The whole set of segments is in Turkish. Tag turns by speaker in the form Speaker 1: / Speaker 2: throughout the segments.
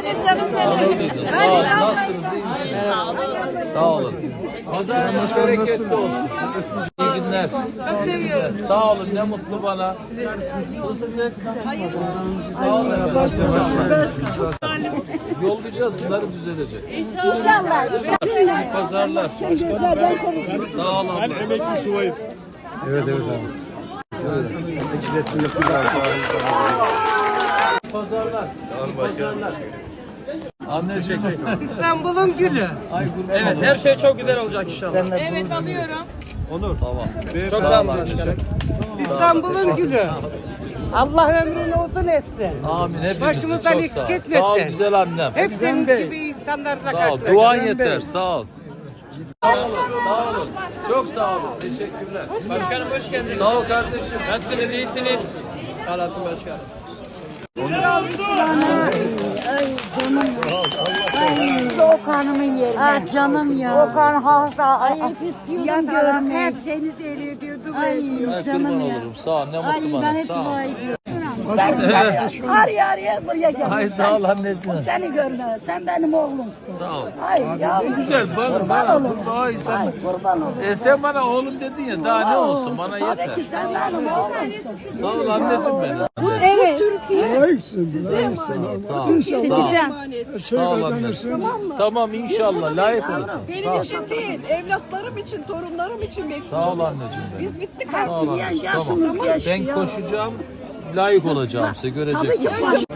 Speaker 1: Sağ olun. Nasılsınız? İyi misiniz? Sağ olun. Pazarınız bereketli olsun. İyi günler. Çok seviyorum. Sağ olun. Ne mutlu bana. Fıstık. Sağ olun. Yollayacağız. Bunları düzelecek.
Speaker 2: İnşallah.
Speaker 1: İyi pazarlar. Sağ olun.
Speaker 3: Emekli subayım.
Speaker 4: Evet abi.
Speaker 1: Pazarlar. Pazarlar. Anneciğim.
Speaker 5: İstanbul'un gülü.
Speaker 3: Evet, her şey çok güzel olacak inşallah.
Speaker 6: Evet alıyorum.
Speaker 1: Tamam.
Speaker 3: Çok sağ olun başkanım.
Speaker 5: İstanbul'un gülü. Allah ömrünü uzun etsin.
Speaker 1: Amin. Hepimizi
Speaker 5: Başımızdan
Speaker 1: çok
Speaker 5: eksik
Speaker 1: sağ ol.
Speaker 5: etmesin.
Speaker 1: Sağ ol güzel annem.
Speaker 5: Hep senin gibi insanlarla
Speaker 1: Sağ ol.
Speaker 5: karşılaştık.
Speaker 1: Duan yeter. Sağ ol. Sağ olun. Sağ olun. Çok sağ olun. Teşekkürler.
Speaker 3: Başkanım hoş geldiniz.
Speaker 1: Sağ ol kardeşim.
Speaker 3: Nasılsınız, iyisiniz? Alatın başkanım.
Speaker 2: Okan'ımın yerine. Ah canım ya. Okan hasta. Ay istiyordum görmeyi. Hep seni deli ediyordu. Ay
Speaker 1: Ay, kurban
Speaker 2: canım ya.
Speaker 1: olurum. Sağ ol. Ne
Speaker 2: Ay
Speaker 1: mutlu
Speaker 2: ben
Speaker 1: bana.
Speaker 2: hep
Speaker 1: Sağ ol.
Speaker 2: dua ediyorum. Araya araya buraya gel.
Speaker 1: Ay sağ ol anneciğim.
Speaker 2: Seni görme. Sen benim oğlumsun.
Speaker 1: Sağ ol.
Speaker 2: Ay yavrum.
Speaker 1: Güzel bana.
Speaker 2: Kurban olurum.
Speaker 1: Ay sen.
Speaker 2: Ay kurban olurum.
Speaker 1: Sen bana oğlum dedin ya. Daha ne olsun? Bana yeter.
Speaker 2: Tabii ki sen benim oğlumsun.
Speaker 1: Sağ ol anneciğim benim.
Speaker 2: Evet.
Speaker 1: Sağ ol. Sağ ol anne. Tamam inşallah layık olursun.
Speaker 6: Benim için değil, evlatlarım için, torunlarım için bekliyorum.
Speaker 1: Sağ ol anneciğim benim.
Speaker 6: Biz bittik
Speaker 1: Sağ
Speaker 6: artık.
Speaker 1: ol anneciğim.
Speaker 2: Yaşımız
Speaker 1: Tamam.
Speaker 2: geçti
Speaker 1: Ben
Speaker 2: ya.
Speaker 1: koşacağım. Layık olacağım size göreceksiniz.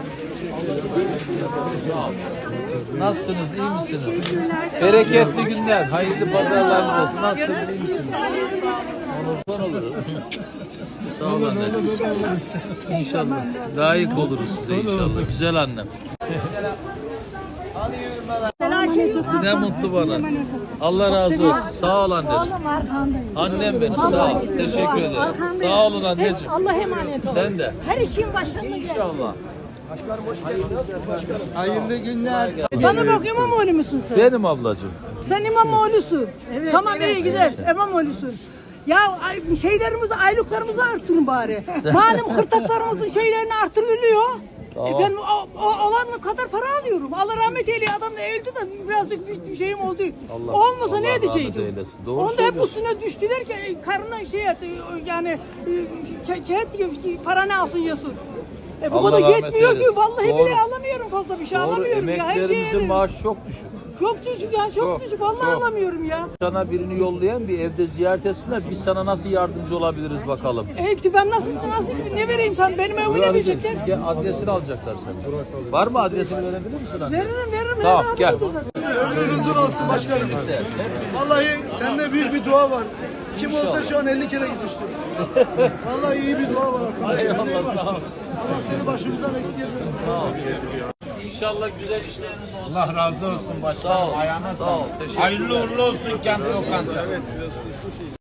Speaker 1: Nasılsınız? İyi misiniz? Bereketli günler. Hayırlı pazarlarınız olsun. Nasılsınız? İyi misiniz? Onurdan oluruz. Sağ ol anneciğim. İnşallah. Layık oluruz size inşallah. Güzel annem. Ne mutlu bana. Allah razı olsun. Sağ ol anneciğim. Annem benim. Sağ ol. Teşekkür ederim. Sağ olun anneciğim.
Speaker 2: Allah emanet ol.
Speaker 1: Sen de.
Speaker 2: Her işin başında gel.
Speaker 1: İnşallah.
Speaker 5: Hayırlı günler.
Speaker 7: Bana bak İmamoğlu musun sen?
Speaker 1: Benim ablacığım.
Speaker 7: Sen İmamoğlu'sun. Tamam iyi güzel. İmamoğlu'sun. Ya şeylerimizi, aylıklarımızı arttırın bari. Malum hırtaklarımızın şeylerini arttırılıyor.
Speaker 1: Tamam.
Speaker 7: Ben olan kadar para alıyorum. Allah rahmet eyleye adam da öldü de birazcık bir şeyim oldu. Olmasa
Speaker 1: Allah
Speaker 7: ne
Speaker 1: rahmet
Speaker 7: edecektim?
Speaker 1: eylesin. Doğru
Speaker 7: Onda hep
Speaker 1: söylüyorsun.
Speaker 7: üstüne düştüler ki karnına şey etti, yani para ne alsın yesin. Bu
Speaker 1: Allah
Speaker 7: kadar
Speaker 1: rahmet
Speaker 7: yetmiyor ki
Speaker 1: eylesin.
Speaker 7: vallahi
Speaker 1: Doğru.
Speaker 7: bile alamıyorum fazla bir şey
Speaker 1: Doğru.
Speaker 7: alamıyorum ya her
Speaker 1: Emeklerimizin
Speaker 7: şeye.
Speaker 1: maaşı çok düşük.
Speaker 7: Çok düşük ya çok
Speaker 1: Çok,
Speaker 7: düşük vallahi
Speaker 1: çok.
Speaker 7: alamıyorum ya.
Speaker 1: Sana birini yollayan bir evde ziyaret etsinler. Biz sana nasıl yardımcı olabiliriz bakalım.
Speaker 7: Hepsi ben nasıl ne vereyim sen benim evime
Speaker 1: Buyur
Speaker 7: verecekler.
Speaker 1: Gel, adresini alacaklar senden. Var mı adresini verebilir misin anne?
Speaker 7: Veririm.
Speaker 1: Tamam, gel.
Speaker 3: Ömrünüz uzun olsun başkanım. Vallahi sende büyük bir dua var. Kim olsa şu an 50 kere gitmiştir. Vallahi iyi bir dua var.
Speaker 1: Eyvallah sağ ol.
Speaker 3: Allah seni başımızdan eksik etmesin.
Speaker 1: Sağ ol. İnşallah güzel işleriniz olsun.
Speaker 4: Allah razı olsun başkanım.
Speaker 1: Sağ ol. Sağ ol. Teşekkür
Speaker 4: Hayırlı uğurlu olsun kendi lokanta.